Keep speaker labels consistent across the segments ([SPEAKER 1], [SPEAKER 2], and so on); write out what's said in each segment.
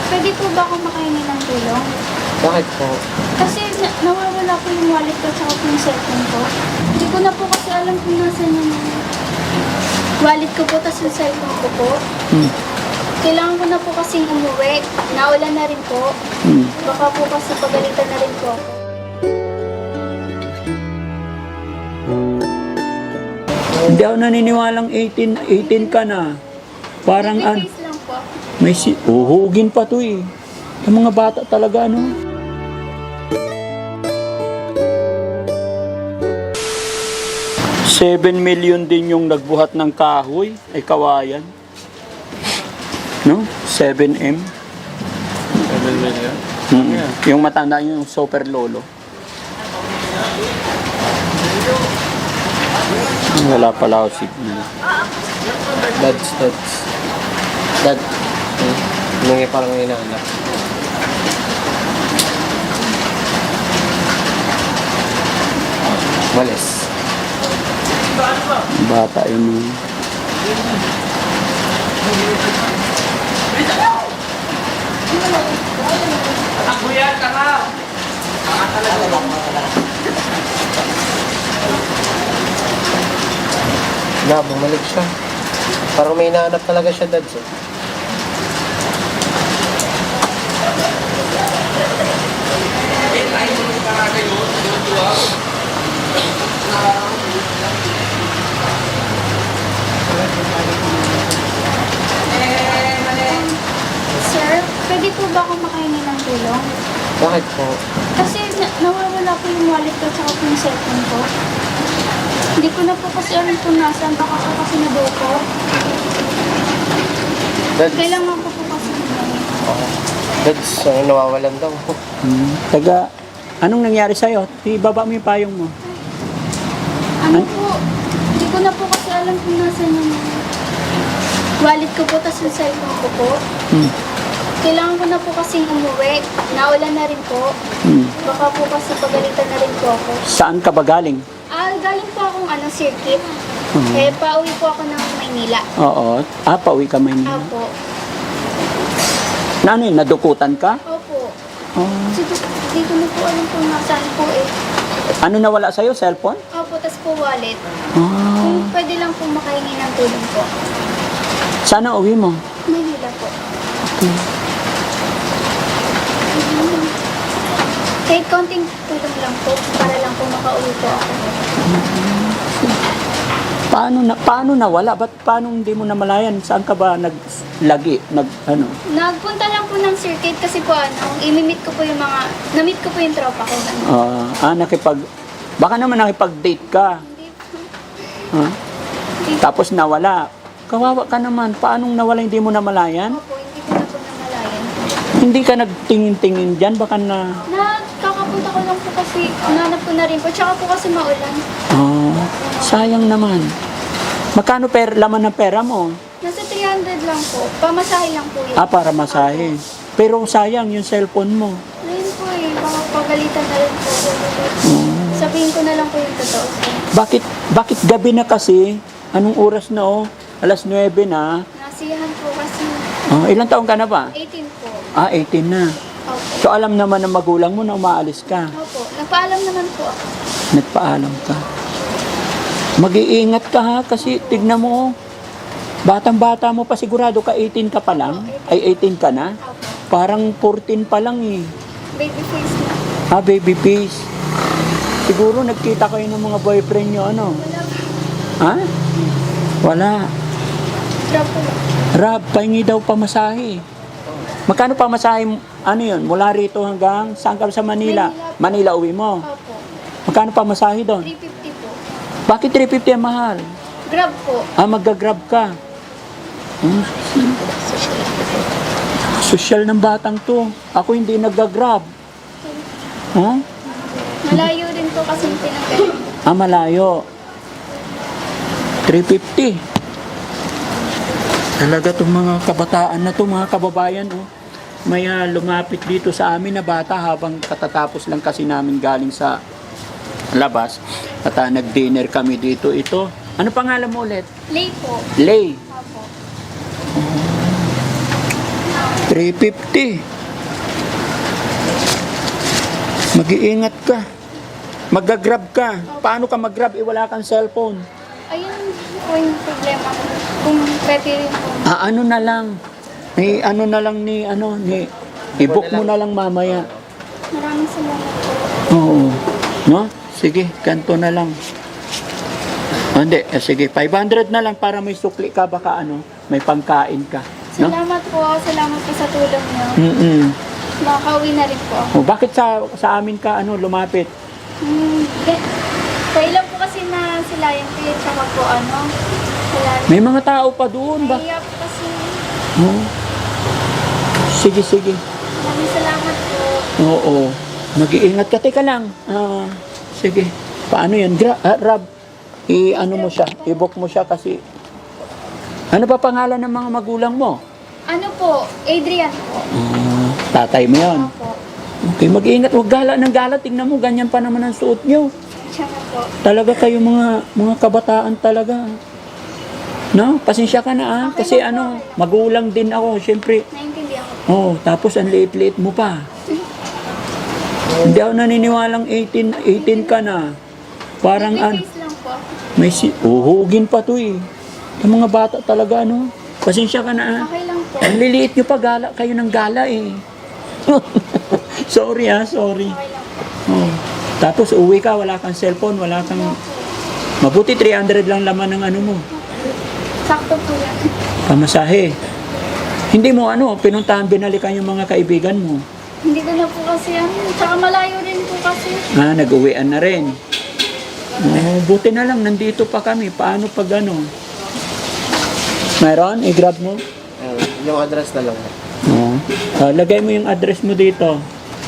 [SPEAKER 1] pwede po ba ako makahingi ng tulong?
[SPEAKER 2] Bakit po?
[SPEAKER 1] Kasi nawawala po yung wallet ko at po yung cellphone ko. Hindi ko na po kasi alam kung nasan yung wallet ko po tapos yung cellphone ko po. Kailangan ko na po kasing umuwi. Naulan na rin po. Baka po kasi pagalitan na rin po ako.
[SPEAKER 3] Hindi ako naniniwalang 18 ka na. Parang
[SPEAKER 1] Baby face lang po.
[SPEAKER 3] may uhugin pa to eh. Yung mga bata talaga, no? $7 million din yung nagbuhat ng kahoy. Ay, kawayan. No? 7M.
[SPEAKER 2] 7 million?
[SPEAKER 3] Yung matanda yung super lolo. Wala pala ako signal.
[SPEAKER 2] Dads. Dad. Nung parang inaanap. Walis.
[SPEAKER 3] Bata yun.
[SPEAKER 2] Bumalik siya. Parang may inaanap talaga siya, Dads. Eh.
[SPEAKER 1] Sir, pwede po ba ako makahingi ng tulong?
[SPEAKER 2] Bakit po?
[SPEAKER 1] Kasi nawawala po yung wallet ko at po yung cellphone ko. Hindi ko na po kasi alam kung nasaan. Baka po kasi nabuko.
[SPEAKER 2] Dads.
[SPEAKER 1] Kailangan ko po kasi umuwi.
[SPEAKER 2] Dads, nawawalan daw.
[SPEAKER 3] Taga, anong nangyari sa'yo? Ibaba mo yung payong mo.
[SPEAKER 1] Ano po? Hindi ko na po kasi alam kung nasaan yung wallet ko po tapos yung cellphone ko po. Kailangan ko na po kasing umuwi. Naulan na rin po. Baka po kasi pagalitan na rin po ako.
[SPEAKER 3] Saan ka ba galing?
[SPEAKER 1] Galing po akong circuit. Pauwi po ako ng Maynila.
[SPEAKER 3] Oo. Pauwi ka Maynila.
[SPEAKER 1] Opo.
[SPEAKER 3] Na ano yun? Nadukutan ka?
[SPEAKER 1] Opo.
[SPEAKER 3] Oh.
[SPEAKER 1] Kasi di ko na po alam kung nasaan po eh.
[SPEAKER 3] Ano nawala sa'yo? Cellphone?
[SPEAKER 1] Opo, tas po wallet.
[SPEAKER 3] Ah.
[SPEAKER 1] Kung pwede lang po makahingi ng tulong po.
[SPEAKER 3] Sana uwi mo?
[SPEAKER 1] Maynila po. Kahit konting tulong lang po, para lang po makauwi po ako.
[SPEAKER 3] Paano nawala? Paano hindi mo namalayan? Saan ka ba naglagi?
[SPEAKER 1] Nagpunta lang po ng circuit kasi po imimit ko po yung na-meet ko po yung tropa ko.
[SPEAKER 3] Baka naman nakipag-date ka.
[SPEAKER 1] Hindi po.
[SPEAKER 3] Ah, tapos nawala. Kawawa ka naman. Paanong nawala hindi mo namalayan?
[SPEAKER 1] Opo, hindi ko na po namalayan.
[SPEAKER 3] Hindi ka nagtingin-tingin dyan? Baka na...
[SPEAKER 1] Kakapunta ko lang po kasi nanap ko na rin po. Tsaka po kasi maulan.
[SPEAKER 3] Sayang naman. Magkano laman ng pera mo?
[SPEAKER 1] Nasa 300 lang po. Pamasahe lang po yun.
[SPEAKER 3] Para masahe. Pero sayang yung cellphone mo.
[SPEAKER 1] Ayun po eh. Baka pagalitan na rin po. Sabihin ko na lang po yung totoo.
[SPEAKER 3] Bakit gabi na kasi? Anong oras na 9:00 na.
[SPEAKER 1] Nasiyahan po kasi.
[SPEAKER 3] Ilang taon ka na ba?
[SPEAKER 1] 18 po.
[SPEAKER 3] 18 na.
[SPEAKER 1] Opo.
[SPEAKER 3] So alam naman ng magulang mo na umaalis ka.
[SPEAKER 1] Opo. Nagpaalam naman po ako.
[SPEAKER 3] Nagpaalam ka. Mag-iingat ka ha kasi tignan mo. Batang-bata mo pa sigurado ka 18 ka pa lang. Ay 18 ka na.
[SPEAKER 1] Opo.
[SPEAKER 3] Parang 14 pa lang eh.
[SPEAKER 1] Baby face na.
[SPEAKER 3] Baby face. Siguro nagkita kayo ng mga boyfriend nyo
[SPEAKER 1] Wala po.
[SPEAKER 3] Ha? Wala.
[SPEAKER 1] Drop po lang.
[SPEAKER 3] Rab, pahingi daw pamasahe. Magkano pamasahe? Ano yun? Mula rito hanggang saan ka sa Manila? Manila uwi mo.
[SPEAKER 1] Opo.
[SPEAKER 3] Magkano pamasahe doon?
[SPEAKER 1] 350 po.
[SPEAKER 3] Bakit 350 ang mahal?
[SPEAKER 1] Grab po.
[SPEAKER 3] Mag-grab ka. Social ng batang to. Ako hindi nag-grab.
[SPEAKER 1] Malayo rin po kasi yung pinagaling.
[SPEAKER 3] Malayo. 350. Talaga itong mga kabataan na to, mga kababayan, may lumapit dito sa amin na bata habang katatapos lang kasi namin galing sa labas. At nag-dinner kami dito. Ito, ano pangalan mo ulit?
[SPEAKER 1] Lay po.
[SPEAKER 3] Lay.
[SPEAKER 1] Opo.
[SPEAKER 3] 350. Mag-iingat ka. Mag-grab ka. Paano ka mag-grab? Wala kang cellphone.
[SPEAKER 1] Ayun po yung problema ko. Kung pwede rin po.
[SPEAKER 3] Ano na lang. I-book mo na lang mamaya.
[SPEAKER 1] Maraming salamat po.
[SPEAKER 3] Oo. No? Sige, kanto na lang. Hindi, sige, 500 na lang para may sukli ka, baka may pangkain ka. No?
[SPEAKER 1] Salamat po. Salamat po sa tulong niyo.
[SPEAKER 3] Mm-mm.
[SPEAKER 1] Makakauwi na rin po ako.
[SPEAKER 3] Bakit sa amin ka lumapit?
[SPEAKER 1] Kailan po kasi na sila yung kaya tsaka po wala rin.
[SPEAKER 3] May mga tao pa doon ba?
[SPEAKER 1] Nahiya po kasi.
[SPEAKER 3] Oo. Sige, sige.
[SPEAKER 1] Maraming salamat po.
[SPEAKER 3] Oo. Mag-iingat ka. Teka lang. Sige. Paano yan? Rab, mo siya. I-book mo siya kasi... Ano ba pangalan ng mga magulang mo?
[SPEAKER 1] Ano po? Adrian po.
[SPEAKER 3] Tatay mo yun.
[SPEAKER 1] Opo.
[SPEAKER 3] Okay, mag-iingat. Huwag gala ng gala. Tingnan mo, ganyan pa naman ang suot nyo.
[SPEAKER 1] Tsaka po.
[SPEAKER 3] Talaga kayo mga kabataan talaga. No? Pasensya ka na
[SPEAKER 1] Okay
[SPEAKER 3] Kasi
[SPEAKER 1] lang po.
[SPEAKER 3] magulang din ako. Siyempre,
[SPEAKER 1] Naintindihan ko po.
[SPEAKER 3] tapos ang liit-liit mo pa. Hindi ako naniniwalang 18 ka na. Parang
[SPEAKER 1] Baby face lang po.
[SPEAKER 3] may uhugin pa to eh. Yung mga bata talaga Pasensya ka na
[SPEAKER 1] Okay lang po.
[SPEAKER 3] Ang liliit nyo pa, gala kayo ng gala eh. Sorry sorry.
[SPEAKER 1] Okay lang po.
[SPEAKER 3] Tapos uwi ka, wala kang cellphone, wala kang... Mabuti 300 lang laman ng mo.
[SPEAKER 1] Sakto po yan.
[SPEAKER 3] Pamasahe. Hindi mo pinuntahan, binalikan yung mga kaibigan mo.
[SPEAKER 1] Hindi ko na po kasi Tsaka malayo rin po kasi.
[SPEAKER 3] Nag-uwian na rin. Buti na lang, nandito pa kami. Paano pag Mayroon? I-grab mo?
[SPEAKER 2] Yung address na lang.
[SPEAKER 3] Lagay mo yung address mo dito.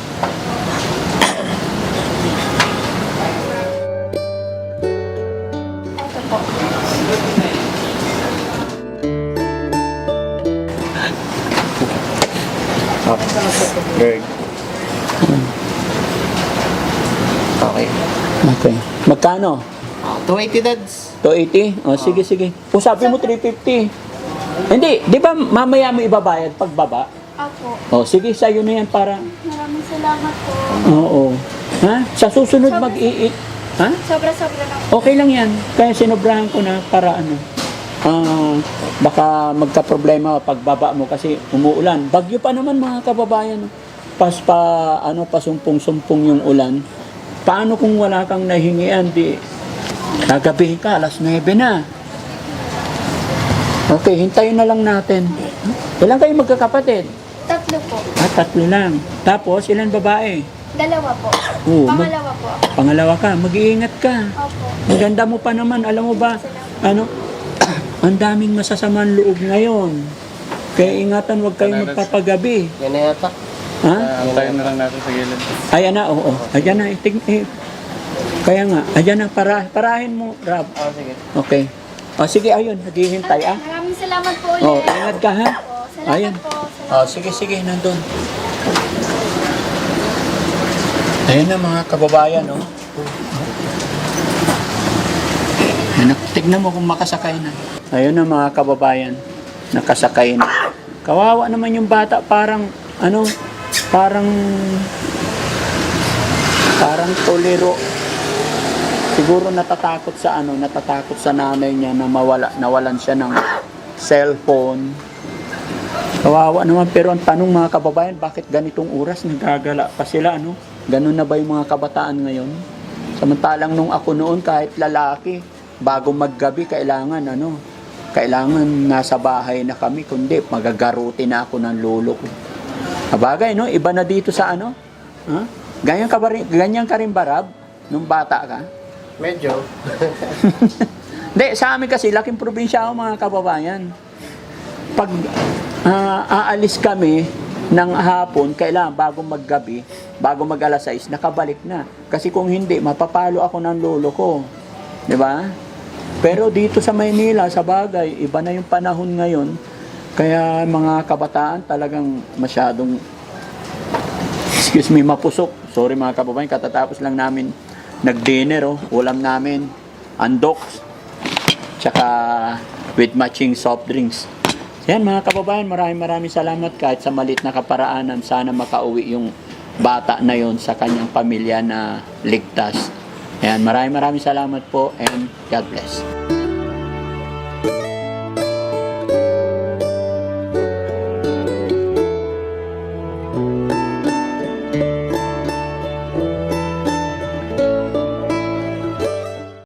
[SPEAKER 1] Ito po.
[SPEAKER 2] Good. Okay.
[SPEAKER 3] Okay. Magkano?
[SPEAKER 2] 280 dads.
[SPEAKER 3] 280? Sige, sige. Usapin mo 350. Hindi, di ba mamaya mo ibabayad pagbaba?
[SPEAKER 1] Opo.
[SPEAKER 3] Sige, sa'yo na yan para...
[SPEAKER 1] Maraming salamat po.
[SPEAKER 3] Oo. Ha? Sa susunod mag-iit. Ha?
[SPEAKER 1] Sobra-sobra lang.
[SPEAKER 3] Okay lang yan. Kaya sinobrahan ko na para baka magka-problema pagbaba mo kasi umuulan. Bagyo pa naman mga kababayan. Pasumpong-sumpong yung ulan. Paano kung wala kang nahingian? Gagabihin ka, alas 9 na. Okay, hintayin na lang natin. Ilan kayo magkakapatid?
[SPEAKER 1] 3 po.
[SPEAKER 3] 3 lang. Tapos, ilan babae?
[SPEAKER 1] 2 po.
[SPEAKER 3] Oo,
[SPEAKER 1] Pangalawa po.
[SPEAKER 3] Pangalawa ka, mag-iingat ka.
[SPEAKER 1] Opo.
[SPEAKER 3] Ang ganda mo pa naman, alam mo ba, ang daming masasamang loob ngayon. Kaya ingatan, huwag kayong magpapagabi.
[SPEAKER 2] Yan na yata.
[SPEAKER 3] Ha?
[SPEAKER 4] Antayin na lang natin sa gilid.
[SPEAKER 3] Ayan na, oo. Ayan na, kaya nga, ayan na, parahin mo, Rab.
[SPEAKER 2] Sige.
[SPEAKER 3] Okay. Sige, ayun, naghihintay
[SPEAKER 1] Maraming salamat po ulit.
[SPEAKER 3] Ingat ka ha.
[SPEAKER 1] Po. Salamat
[SPEAKER 3] Ayan.
[SPEAKER 1] po. Salamat.
[SPEAKER 3] Sige, nandun. Ayan na mga kababayan, Tignan mo kung makasakay na. Ayun na mga kababayan, nakasakay na. Kawawa naman yung bata, parang tolero. Siguro natatakot sa nanay niya na nawalan siya ng cellphone. Kawawa naman, pero ang tanong mga kababayan, bakit ganitong oras nagagala pa sila, Ganun na ba yung mga kabataan ngayon? Samantalang nung ako noon, kahit lalaki, bago maggabi, kailangan nasa bahay na kami, kundi magagaruti na ako ng lolo ko. Kabagay, iba na dito sa Ha? Ganyan ka rin ba, Rab, nung bata ka?
[SPEAKER 2] Medyo.
[SPEAKER 3] Hindi, sa amin kasi, laking probinsya ako mga kababayan. Pag aalis kami ng hapon, kailangan bago maggabi, bago mag alas 6, nakabalik na. Kasi kung hindi, mapapalo ako ng lolo ko. Di ba? Pero dito sa Maynila, sa bagay, iba na yung panahon ngayon. Kaya mga kabataan talagang masyadong, mapusok. Sorry mga kababayan, katatapos lang namin nag-dinner, ulam namin, andok, tsaka with matching soft drinks. Yan mga kababayan, maraming salamat kahit sa malit na kaparaanan. Sana makauwi yung bata na yon sa kanyang pamilya na ligtas. Yan, maraming salamat po and God bless.